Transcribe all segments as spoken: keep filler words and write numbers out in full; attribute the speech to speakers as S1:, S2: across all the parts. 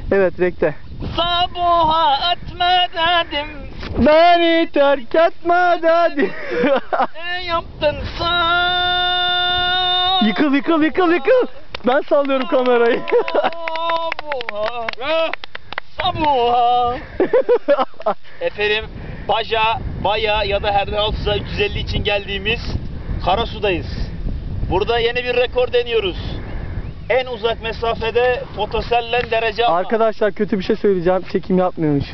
S1: Evet, rekte.
S2: Sabuha etme dedim.
S1: Beni terk etme dedi.
S2: Ne yaptın sen?
S1: Yıkıl yıkıl yıkıl yıkıl. Ben sallıyorum kamerayı.
S2: Sabuha. Sabuha. Efendim Baja, Baya ya da her ne olsa üç yüz elli için geldiğimiz Karasu'dayız. Burada yeni bir rekor deniyoruz. En uzak mesafede fotosellen derece alma.
S1: Arkadaşlar kötü bir şey söyleyeceğim. Çekim yapmıyormuş.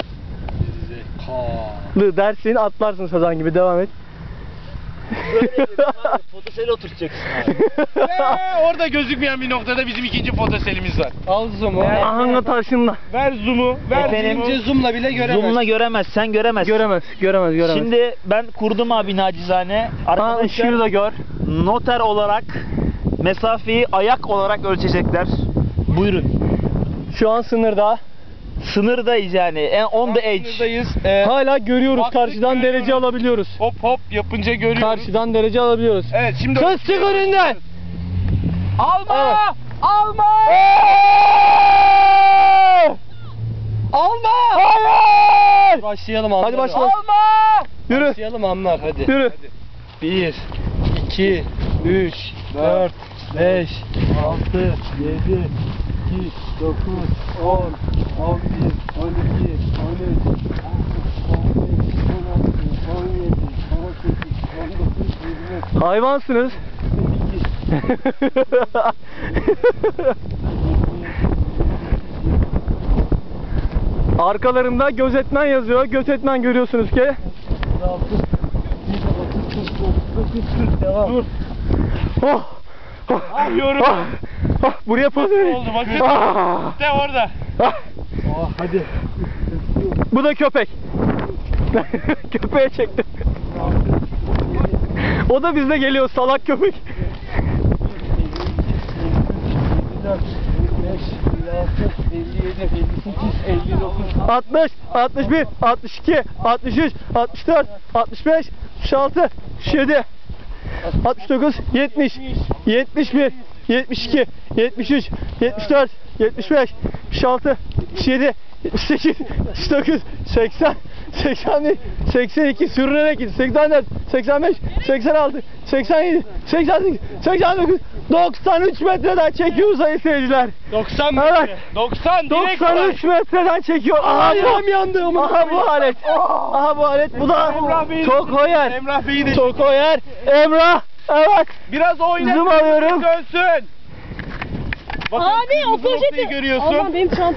S1: Lı dersin, atlarsın sazan gibi, devam et.
S2: Böyle fotosel oturacaksın abi.
S3: Ee, orada gözükmeyen bir noktada bizim ikinci fotoselimiz var. Al zoom'u.
S1: Ahanga taşınla.
S3: Ver zoom'u. Ver
S2: Efendim,
S3: zoom'u. Zoom'la bile göremez.
S2: Zoom'la göremez, sen göremezsin.
S1: Göremez, göremez, göremez.
S2: Şimdi ben kurdum abi nacizane.
S1: Aa,
S2: Arkadaşlar
S1: ışığı da gör.
S2: noter olarak mesafeyi ayak olarak ölçecekler. Buyurun.
S1: Şu an sınırda.
S2: Sınırdayız yani. En on the edge.
S3: Sınırdayız. Ee,
S1: Hala görüyoruz.
S3: baktık,
S1: Karşıdan
S3: görüyoruz.
S1: derece alabiliyoruz.
S3: hop hop yapınca görüyoruz.
S1: Karşıdan derece alabiliyoruz.
S3: Evet şimdi.
S1: Kız çık önünden.
S3: Alma!
S1: Evet.
S3: Alma! Alma!
S1: Hayır!
S3: Başlayalım anlar.
S1: Hadi başlayalım.
S3: Alma!
S1: Yürü.
S3: Başlayalım anlar hadi.
S1: Yürü.
S3: bir, iki, üç, dört, beş, altı, yedi, sekiz, dokuz, on, on bir, on iki, on üç, on beş, on altı, on yedi, on sekiz, on dokuz, yirmi.
S1: Hayvansınız. Arkalarında gözetmen yazıyor. Gözetmen görüyorsunuz ki.
S3: Devam.
S1: Dur. Oh. Oh.
S3: Yapıyorum.
S1: Ah. Ah. Buraya pas verin.
S3: Oldu bakın.
S1: Ah.
S3: De orada.
S1: Ah.
S3: Oh, hadi.
S1: Bu da köpek. Köpeğe çektim. O da bizle geliyor, salak köpek. altmış, altmış bir, altmış iki, altmış üç, altmış dört, altmış beş, altmış altı, altmış yedi, altmış dokuz, yetmiş, yetmiş bir, yetmiş iki, yetmiş üç, yetmiş dört, yetmiş beş, yetmiş altı, yetmiş yedi, yetmiş sekiz, yetmiş dokuz, seksen, seksen bir, seksen iki, sürünerek git, seksen dört, seksen beş, seksen altı, seksen yedi, seksen sekiz, seksen dokuz, doksan üç metreden çekiyor sayın seyirciler.
S3: doksan
S1: Evet.
S3: metre. doksan direkt
S1: doksan üç metreden çekiyor. Aha,
S3: Ayağım
S1: bu,
S3: yandı.
S1: aha bu alet. Aha bu alet. Bu da
S3: Emrah Bey'i-
S1: Tokoyer.
S3: Emrah Bey'i de
S1: Tokoyer. Emrah. Evet.
S3: biraz oynat.
S1: Zoom alıyorum.
S3: Dönsün. Bakın,
S4: Abi o
S3: kırmızı noktayı
S4: poşeti.
S3: görüyorsun.
S4: Aman benim çantam.